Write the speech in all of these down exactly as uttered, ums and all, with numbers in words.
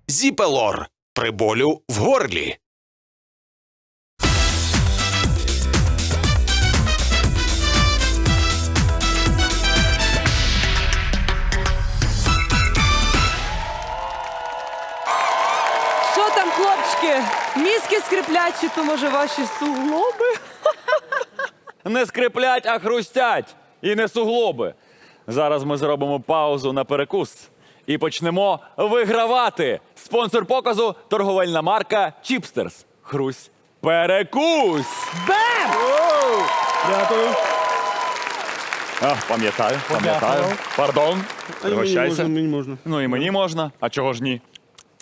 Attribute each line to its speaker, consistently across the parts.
Speaker 1: Зіпелор при болю в горлі.
Speaker 2: Що там, хлопчики? Мізки скриплять, чи то, може, ваші суглоби?
Speaker 3: Не скриплять, а хрустять. І не суглоби. Зараз ми зробимо паузу на перекус і почнемо вигравати. Спонсор показу – торговельна марка Чіпстерс. Хрусь перекус!
Speaker 2: Бем!
Speaker 4: Дякую.
Speaker 3: А, пам'ятаю, пам'ятаю. Пардон,
Speaker 4: А й мені
Speaker 3: пригощайся.
Speaker 4: можна, мені можна.
Speaker 3: Ну і мені можна, а чого ж ні?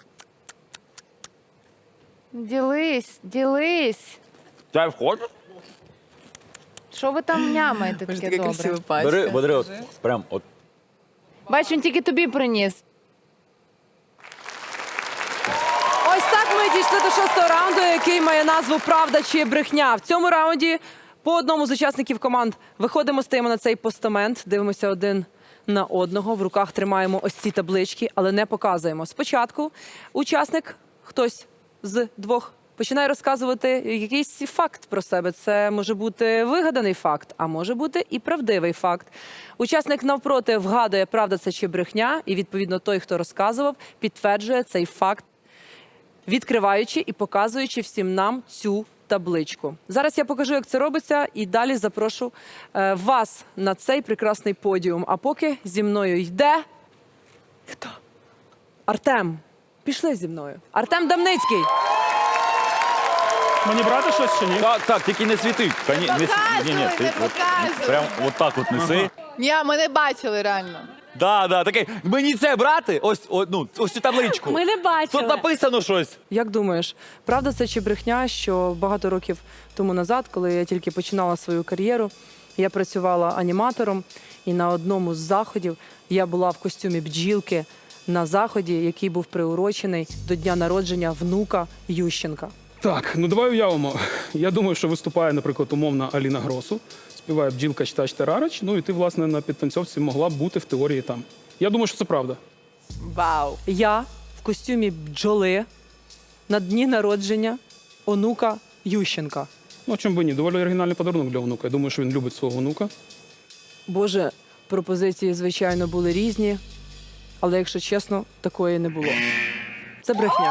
Speaker 5: Ділись, ділись.
Speaker 3: Чай входиш?
Speaker 5: Що ви там нямаєте
Speaker 6: Боже,
Speaker 5: таке
Speaker 6: така
Speaker 5: добре?
Speaker 6: красива пачка.
Speaker 3: Бери, бери, от, прям от.
Speaker 5: Бач, він тільки тобі приніс.
Speaker 2: Ось так ми дійшли до шостого раунду, який має назву «Правда чи брехня». В цьому раунді по одному з учасників команд виходимо, стоїмо на цей постамент, дивимося один на одного, в руках тримаємо ось ці таблички, але не показуємо. Спочатку учасник, хтось з двох, починає розказувати якийсь факт про себе. Це може бути вигаданий факт, а може бути і правдивий факт. Учасник навпроти вгадує, правда це чи брехня, і відповідно той, хто розказував, підтверджує цей факт, відкриваючи і показуючи всім нам цю табличку. Зараз я покажу, як це робиться, і далі запрошу е, вас на цей прекрасний подіум. А поки зі мною йде... Хто? Артем. Пішли зі мною. Артем Дамницький.
Speaker 4: Мені брати щось чи ні?
Speaker 3: Так, так, тільки не світи. Та ні, не світи. Ні, ні, ти
Speaker 6: не
Speaker 3: от,
Speaker 6: показуй.
Speaker 3: прям от так от неси.
Speaker 6: Ні, ми не бачили реально.
Speaker 3: Да, да, такий, мені це брати? Ось, о, ну, ось цю табличку.
Speaker 2: Ми не бачили.
Speaker 3: Тут написано щось.
Speaker 2: Як думаєш, правда це чи брехня, що багато років тому назад, коли я тільки починала свою кар'єру, я працювала аніматором, і на одному з заходів я була в костюмі бджілки на заході, який був приурочений до дня народження внука Ющенка.
Speaker 4: Так, ну давай уявимо. Я думаю, що виступає, наприклад, умовна Аліна Гросу, співає бджілка читач Терарач, ну і ти, власне, на підтанцьовці могла б бути в теорії там. Я думаю, що це правда.
Speaker 6: Вау.
Speaker 2: Я в костюмі бджоли на дні народження онука Ющенка.
Speaker 4: Ну, чому би ні? Доволі оригінальний подарунок для онука. Я думаю, що він любить свого онука.
Speaker 2: Боже, пропозиції, звичайно, були різні, але, якщо чесно, такої не було. Це брехня.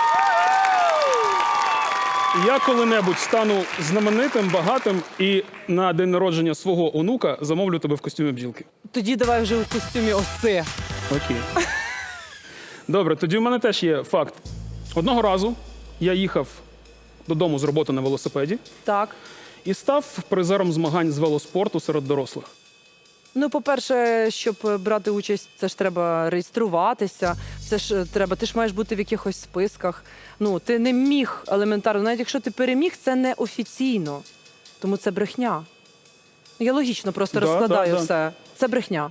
Speaker 4: Я коли-небудь стану знаменитим, багатим і на день народження свого онука замовлю тебе в костюмі бджілки.
Speaker 2: Тоді давай вже в костюмі оси.
Speaker 4: Окей. Добре, тоді в мене теж є факт. Одного разу я їхав додому з роботи на велосипеді
Speaker 2: Так.
Speaker 4: і став призером змагань з велоспорту серед дорослих.
Speaker 2: Ну, по-перше, щоб брати участь, це ж треба реєструватися, це ж е, треба, ти ж маєш бути в якихось списках. Ну, ти не міг елементарно, навіть якщо ти переміг, це не офіційно. Тому це брехня. Я логічно просто
Speaker 4: Да,
Speaker 2: розкладаю
Speaker 4: да, да.
Speaker 2: все. Це брехня.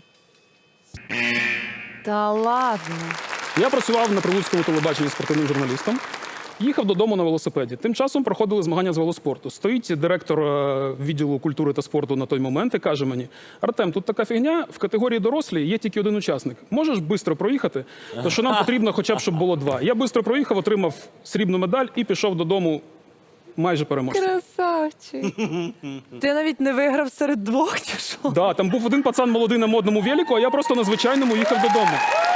Speaker 5: Та ладно.
Speaker 4: Я працював на прилуцькому телебаченні спортивним журналістом. Їхав додому на велосипеді. Тим часом проходили змагання з велоспорту. Стоїть директор е, відділу культури та спорту на той момент і каже мені: Артем, тут така фігня, в категорії дорослі є тільки один учасник. Можеш швидко проїхати? То що нам потрібно хоча б, щоб було два. Я швидко проїхав, отримав срібну медаль і пішов додому майже переможцем.
Speaker 5: Красавчик.
Speaker 2: Ти навіть не виграв серед двох, чи що?
Speaker 4: Да, там був один пацан молодий на модному велику, а я просто на звичайному їхав додому.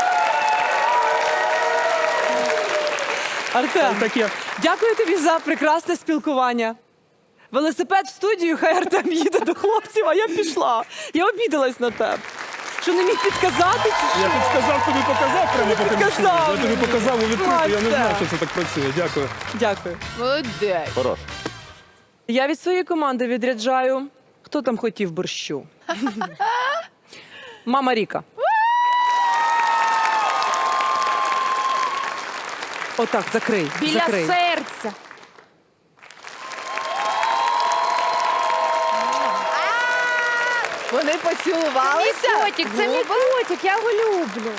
Speaker 2: Артем,
Speaker 4: Таке.
Speaker 2: дякую тобі за прекрасне спілкування. Велосипед в студію, хай Артем їде до хлопців, а я пішла. Я обідалась на тебе. Що не міг підказати? Чи
Speaker 4: Я
Speaker 2: що?
Speaker 4: підсказав, тобі показав прямо по
Speaker 2: Підказав
Speaker 4: телефону. Я тобі
Speaker 2: мені.
Speaker 4: показав у відкриту, я не
Speaker 2: Клас,
Speaker 4: знав,
Speaker 2: все.
Speaker 4: що це так працює. Дякую.
Speaker 2: Дякую.
Speaker 6: Молодець.
Speaker 3: Хорош.
Speaker 2: Я від своєї команди відряджаю. Хто там хотів борщу? Мама Ріка. Отак, закрий.
Speaker 5: Біля
Speaker 2: закрий.
Speaker 5: серця.
Speaker 6: Вони поцілувалися.
Speaker 5: Мій котик, це мій котик, я його люблю.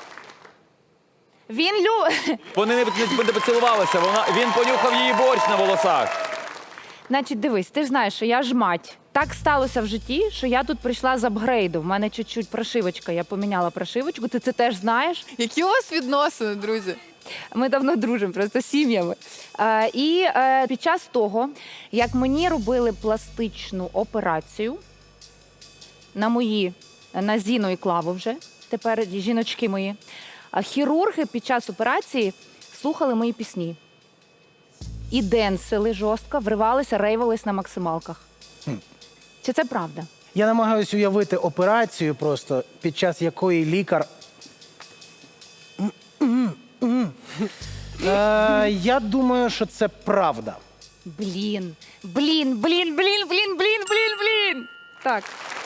Speaker 5: Він любить.
Speaker 3: Вони не, не, не поцілувалися, вона, він понюхав її борщ на волосах.
Speaker 5: Значить, дивись, ти ж знаєш, що я ж мать. Так сталося в житті, що я тут прийшла з апгрейду. В мене чуть-чуть прошивочка, я поміняла прошивочку, ти це теж знаєш.
Speaker 6: Які у вас відносини, друзі?
Speaker 5: Ми давно дружимо, просто сім'ями. Е, і е, під час того, як мені робили пластичну операцію на мої, на Зіну і Клаву вже, тепер жіночки мої, а хірурги під час операції слухали мої пісні. І денсили жорстко, вривалися, рейвались на максималках. Чи це правда?
Speaker 7: Я намагаюся уявити операцію просто, під час якої лікар. Е, я думаю, що це правда.
Speaker 5: Блін, блін, блін, блін, блін, блін, блін, блін. Так.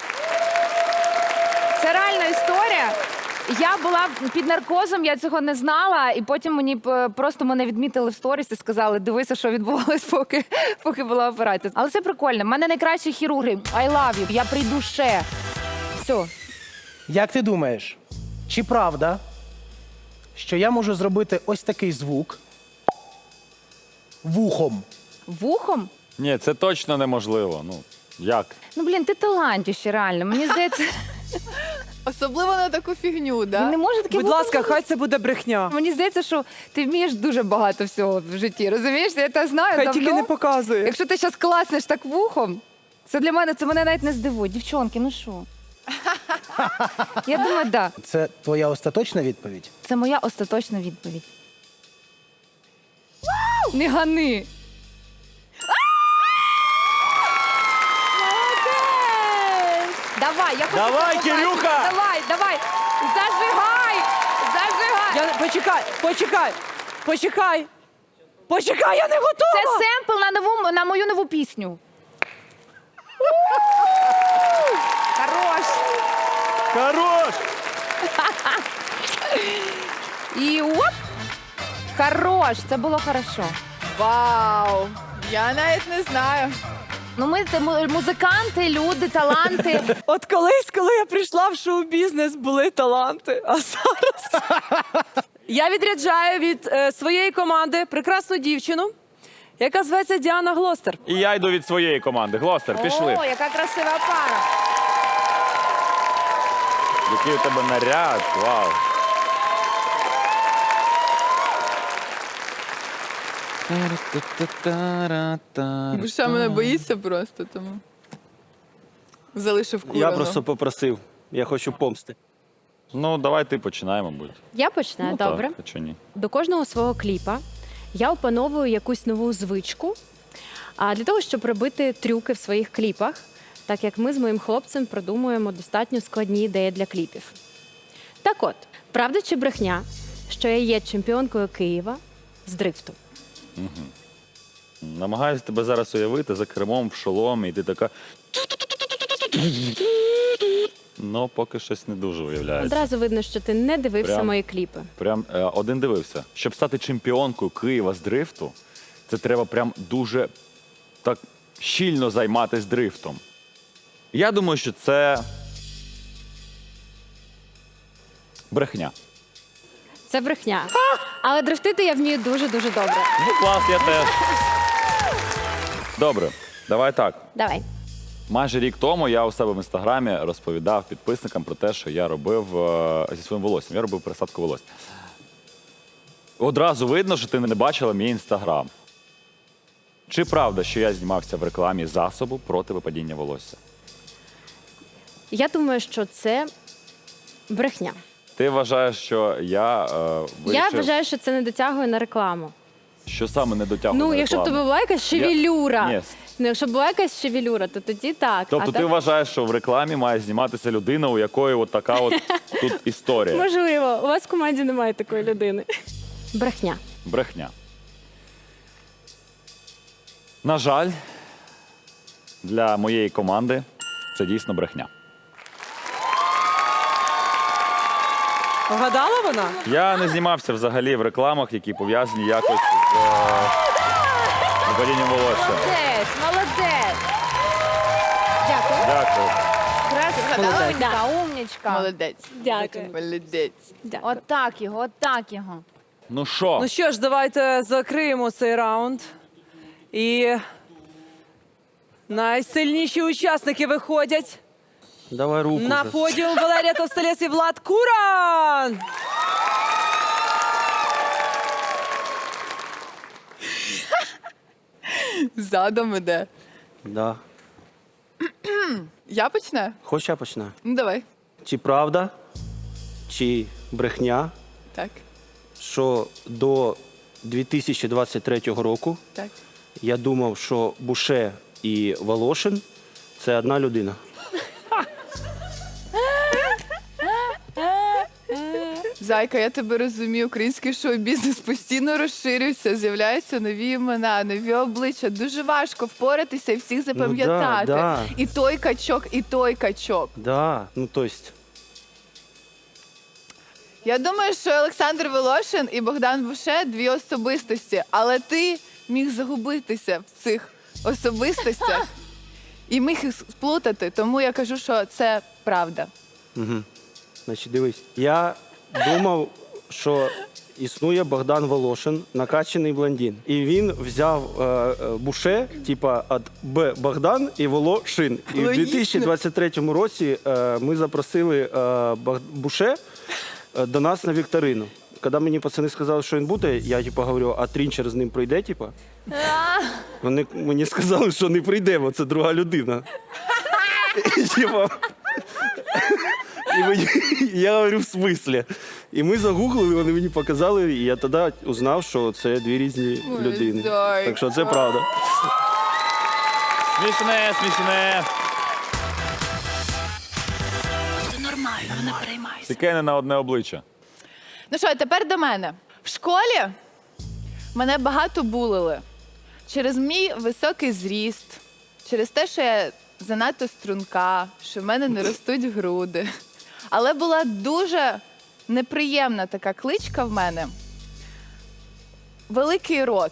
Speaker 5: Це реальна історія. Я була під наркозом, я цього не знала, і потім мені п- просто мене відмітили в сторіс і сказали, дивися, що відбувалось, поки, поки була операція. Але це прикольно. У мене найкращі хірурги. I love you. Я прийду ще. Все.
Speaker 7: Як ти думаєш, чи правда, що я можу зробити ось такий звук вухом?
Speaker 5: Вухом?
Speaker 3: Ні, це точно неможливо. Ну, як?
Speaker 5: Ну, блін, ти талантіще, реально. Мені здається,
Speaker 6: Особливо на таку фігню,
Speaker 5: він
Speaker 6: да?
Speaker 5: не може таке
Speaker 2: Будь
Speaker 5: вухом
Speaker 2: ласка,
Speaker 5: зробити.
Speaker 2: хай це буде брехня.
Speaker 5: Мені здається, що ти вмієш дуже багато всього в житті. Розумієш? Я це знаю
Speaker 2: Хай
Speaker 5: давно.
Speaker 2: тільки не показує.
Speaker 5: Якщо ти зараз класнеш так вухом, це для мене, це мене навіть не здивує. Дівчонки, ну що? Я думаю, так. Да.
Speaker 7: Це твоя остаточна відповідь?
Speaker 5: Це моя остаточна відповідь. Не гани. Молодець! Давай, я хочу
Speaker 3: Давай,
Speaker 5: побачити.
Speaker 3: Кирюха!
Speaker 5: Давай, давай! Зажигай! Зажигай!
Speaker 2: Я... Почекай, почекай, почекай. Почекай, я не
Speaker 5: Це
Speaker 2: готова.
Speaker 5: семпл на нову, на мою нову пісню. Хорош!
Speaker 3: Хорош!
Speaker 5: І оп! Хорош! Це було хорошо.
Speaker 6: Вау! Я навіть не знаю.
Speaker 5: Ну ми це му- музиканти, люди, таланти.
Speaker 2: От колись, коли я прийшла в шоу-бізнес, були таланти, а зараз... Я відряджаю від е, своєї команди прекрасну дівчину, яка зветься Діана Глостер.
Speaker 3: І я йду від своєї команди. Глостер, пішли.
Speaker 5: О, яка красива пара.
Speaker 3: Який у тебе наряд, вау.
Speaker 6: Душа мене боїться просто, тому залишив курану.
Speaker 8: Я просто попросив. Я хочу помсти.
Speaker 3: Ну, давай ти починай, мабуть.
Speaker 9: Я починаю,
Speaker 3: Ну,
Speaker 9: добре.
Speaker 3: Так, а чого ні?
Speaker 9: До кожного свого кліпа я опановую якусь нову звичку а для того, щоб робити трюки в своїх кліпах, так як ми з моїм хлопцем продумуємо достатньо складні ідеї для кліпів. Так от, правда чи брехня, що я є чемпіонкою Києва з дрифту?
Speaker 3: Намагаюсь тебе зараз уявити за кермом в шоломі, і ти така. Ну, поки щось не дуже уявляється.
Speaker 9: Одразу видно, що ти не дивився
Speaker 3: Прям.
Speaker 9: мої кліпи.
Speaker 3: Прям е, один дивився. Щоб стати чемпіонкою Києва з дрифту, це треба прям дуже так щільно займатися дрифтом. Я думаю, що це брехня.
Speaker 9: Це брехня. Але дрифтити я вмію дуже-дуже добре.
Speaker 3: Ну, клас, я теж. Добре, давай так.
Speaker 9: Давай.
Speaker 3: Майже рік тому я у себе в інстаграмі розповідав підписникам про те, що я робив е, зі своїм волоссям. Я робив пересадку волосся. Одразу видно, що ти не бачила мій інстаграм. Чи правда, що я знімався в рекламі засобу проти випадіння волосся?
Speaker 9: Я думаю, що це брехня.
Speaker 3: Ти вважаєш, що я е, вирішив,
Speaker 9: Я вважаю, що це не дотягує на рекламу.
Speaker 3: що саме не дотягую
Speaker 9: Ну,
Speaker 3: на
Speaker 9: якщо б
Speaker 3: рекламу?
Speaker 9: тобі була якась шевелюра.
Speaker 3: Ні.
Speaker 9: Ну, якщо б була якась шевелюра, то тоді так.
Speaker 3: Тобто
Speaker 9: а
Speaker 3: ти
Speaker 9: так...
Speaker 3: вважаєш, що в рекламі має зніматися людина, у якої от така от тут історія?
Speaker 9: Можливо, у вас в команді немає такої людини. Брехня.
Speaker 3: Брехня. На жаль, для моєї команди це дійсно брехня.
Speaker 2: Вгадала вона?
Speaker 3: Я не знімався взагалі в рекламах, які пов'язані якось з е, випадінням волосся.
Speaker 5: Молодець, молодець. Дякую.
Speaker 3: Дякую.
Speaker 5: Красунечка, умнічка.
Speaker 6: Молодець.
Speaker 9: Дякую.
Speaker 6: Молодець.
Speaker 9: Дякую.
Speaker 5: Отак його, отак його.
Speaker 3: Ну що?
Speaker 2: Ну що ж, давайте закриємо цей раунд. І найсильніші учасники виходять
Speaker 8: Давай руку.
Speaker 2: на
Speaker 8: вже.
Speaker 2: подіум. Валерія Товстолєс і Влад Куран.
Speaker 6: Задом іде.
Speaker 8: Да.
Speaker 6: Я почне?
Speaker 8: Хоч я почну.
Speaker 6: Ну, давай.
Speaker 8: Чи правда, чи брехня,
Speaker 6: Так,
Speaker 8: що до дві тисячі двадцять третього року
Speaker 6: так.
Speaker 8: я думав, що Буше і Волошин – це одна людина?
Speaker 6: Зайка, я тебе розумію, український шоу-бізнес постійно розширюється, з'являються нові імена, нові обличчя. Дуже важко впоратися і всіх запам'ятати.
Speaker 8: Ну да, да.
Speaker 6: І той качок, і той качок.
Speaker 8: Да, ну то есть.
Speaker 6: Я думаю, що Олександр Волошин і Богдан Буше – дві особистості, але ти міг загубитися в цих особистостях і міг їх сплутати, тому я кажу, що це правда.
Speaker 8: Угу. Значить, дивись, я думав, що існує Богдан Волошин, накачаний блондин. І він взяв е, е, Буше, типа від Б Богдан і Волошин. І в
Speaker 6: Логічно.
Speaker 8: дві тисячі двадцять третьому році е, ми запросили е, Бог- Буше е, до нас на вікторину. Коли мені пацани сказали, що він буде, я типу, говорю, а Трінчер з ним прийде, типу? Вони мені сказали, що не прийде, бо це друга людина. І, типу, і мені, я говорю, в смислі? І ми загуглили, вони мені показали, і я тоді узнав, що це дві різні
Speaker 6: Ой,
Speaker 8: людини.
Speaker 6: зайка.
Speaker 8: Так що це правда.
Speaker 3: Смішне, смішне.
Speaker 5: Це нормально, не переймайся.
Speaker 3: Таке не на одне обличчя.
Speaker 6: Ну що, тепер до мене. В школі мене багато булили через мій високий зріст, через те, що я занадто струнка, що в мене не ростуть груди. Але була дуже неприємна така кличка в мене. Великий рот.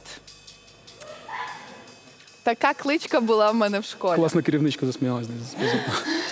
Speaker 6: Така кличка була в мене в школі.
Speaker 4: Класна керівничка засміялась десь за спозу.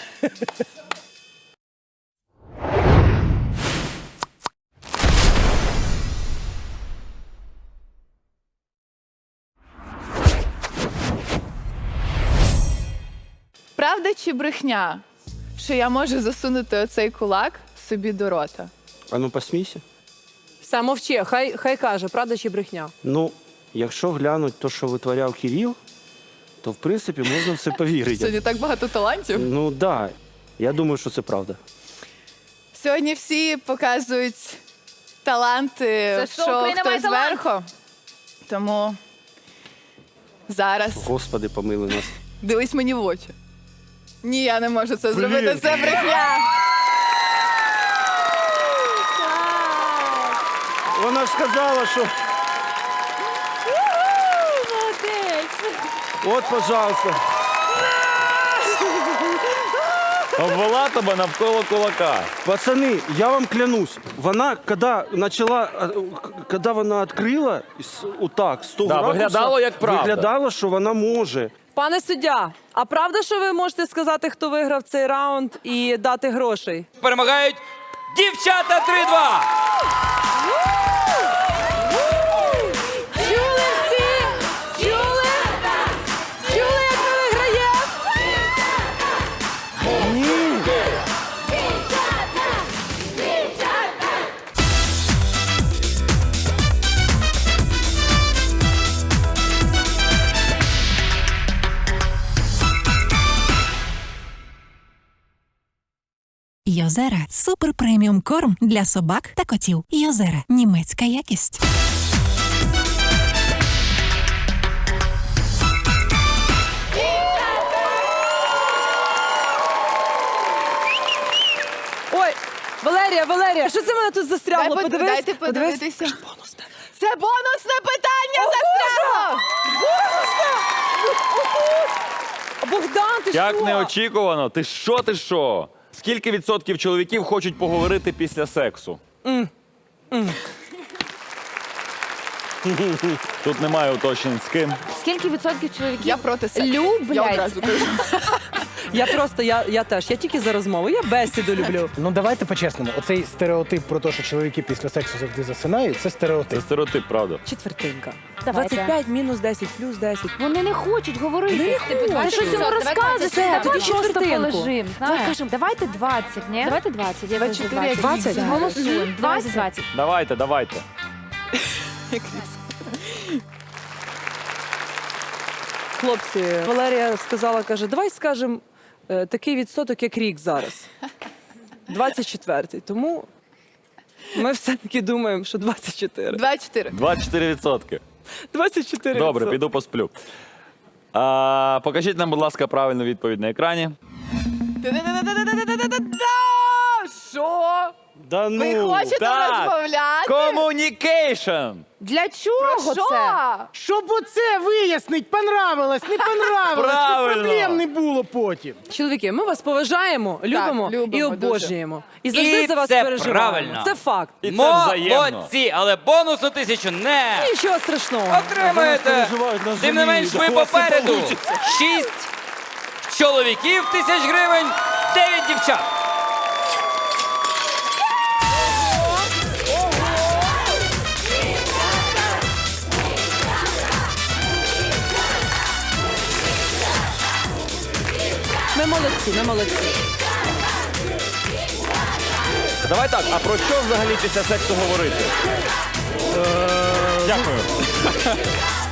Speaker 6: Правда чи брехня, що я можу засунути оцей кулак собі до рота?
Speaker 8: А ну посмійся.
Speaker 2: Все, мовчи, хай, хай каже, правда чи брехня.
Speaker 8: Ну, якщо глянуть те, що витворяв Кирил, то в принципі можна в це повірити.
Speaker 6: Сьогодні так багато талантів.
Speaker 8: Ну так, да. Я думаю, що це правда.
Speaker 6: Сьогодні всі показують таланти
Speaker 5: Це
Speaker 6: в
Speaker 5: шоу
Speaker 6: шоу
Speaker 5: «Україна
Speaker 6: «Хто
Speaker 5: має талант».
Speaker 6: зверху». Тому зараз
Speaker 8: Господи, помили нас.
Speaker 6: дивись мені в очі. Ні, я не можу це зробити, це брехня.
Speaker 8: Вона ж сказала, що от, пожалуйста.
Speaker 3: Обвела тебе навколо кулака.
Speaker 8: Пацани, я вам клянусь, вона, коли почала, коли вона відкрила, з- отак, з того
Speaker 3: Да,
Speaker 8: ракурсу,
Speaker 3: виглядало як правда.
Speaker 8: Виглядало, що вона може.
Speaker 2: Пане суддя, а правда, що ви можете сказати, хто виграв цей раунд і дати грошей?
Speaker 10: Перемагають дівчата три-два!
Speaker 2: Чули всі? Чули? Чули, як ми виграємо?
Speaker 11: Йозера – супер преміум корм для собак та котів. Йозера – німецька якість.
Speaker 2: Ой, Валерія, Валерія, що це в мене тут застрягло?
Speaker 6: Дай, под-
Speaker 2: Подивись,
Speaker 6: дайте
Speaker 2: подивись.
Speaker 6: подивитися. Це бонусне питання застряло!
Speaker 2: Богдан, ти
Speaker 3: Як
Speaker 2: що?
Speaker 3: неочікувано. Ти що, ти що? Скільки відсотків чоловіків хочуть поговорити після сексу? Тут немає уточнень з ким.
Speaker 5: Скільки відсотків чоловіків
Speaker 6: Я проти сексу.
Speaker 5: люблять?
Speaker 6: Я одразу кажу.
Speaker 2: Я просто, я, я теж, я тільки за розмову, я бесіду люблю.
Speaker 7: Ну давайте по-чесному. Оцей стереотип про те, що чоловіки після сексу завжди засинають, це
Speaker 3: Це
Speaker 7: стереотип.
Speaker 3: стереотип, правда.
Speaker 2: Четвертинка.
Speaker 5: Давайте.
Speaker 2: двадцять п'ять мінус десять плюс десять.
Speaker 5: Вони не хочуть говорити.
Speaker 2: Вони не
Speaker 5: Типу,
Speaker 2: хочуть.
Speaker 5: Ти щось йому
Speaker 2: Давай
Speaker 5: розказуєш,
Speaker 2: двадцять.
Speaker 5: давай
Speaker 2: Тоді
Speaker 5: просто
Speaker 2: четвертинку.
Speaker 5: полежим,
Speaker 2: Давай
Speaker 5: знаєш.
Speaker 2: кажемо.
Speaker 5: Давайте двадцять, ні?
Speaker 9: Давайте двадцять, я
Speaker 6: двадцять
Speaker 9: кажу
Speaker 6: чотири,
Speaker 9: двадцять.
Speaker 2: двадцять?
Speaker 5: Голосуємо.
Speaker 9: Давайте
Speaker 5: двадцять.
Speaker 9: двадцять.
Speaker 3: Давайте, давайте.
Speaker 2: хлопці, Валерія сказала, каже, давай скажемо е, такий відсоток, як рік зараз. двадцять четвертий. Тому ми все-таки думаємо, що двадцять чотири.
Speaker 6: двадцять чотири.
Speaker 3: двадцять чотири відсотки.
Speaker 2: двадцять чотири.
Speaker 3: Добре, піду посплю. А, покажіть нам, будь ласка, правильну відповідь на екрані.
Speaker 6: Та-да-да-да-да-да-да-да-да! Що?
Speaker 8: Да
Speaker 6: Ви
Speaker 8: ну.
Speaker 6: хочете
Speaker 3: так.
Speaker 6: розмовляти?
Speaker 3: Communication!
Speaker 5: Для чого
Speaker 6: Що?
Speaker 5: це?
Speaker 7: Щоб оце вияснить, понравилось, не понравилось, щоб
Speaker 3: Правильно.
Speaker 7: проблем не було потім.
Speaker 2: Чоловіки, ми вас поважаємо, любимо,
Speaker 6: любимо
Speaker 2: і
Speaker 6: дуже.
Speaker 2: обожнюємо. І завжди
Speaker 10: І
Speaker 2: за вас
Speaker 10: це
Speaker 2: переживаємо.
Speaker 10: правильно.
Speaker 2: Це факт.
Speaker 3: І це взаємно.
Speaker 10: Молодці, але бонусну тисячу не
Speaker 2: Нічого страшного.
Speaker 10: отримаєте.
Speaker 8: переживають, нас
Speaker 10: Тим не менш,
Speaker 8: жаліють.
Speaker 10: ви
Speaker 8: У вас все
Speaker 10: попереду.
Speaker 8: получиться.
Speaker 10: Шість чоловіків тисяч гривень, дев'ять дівчат.
Speaker 2: Ми молодці, ми молодці.
Speaker 3: Давай так, а про що взагалі після сексу говорити? Дякую.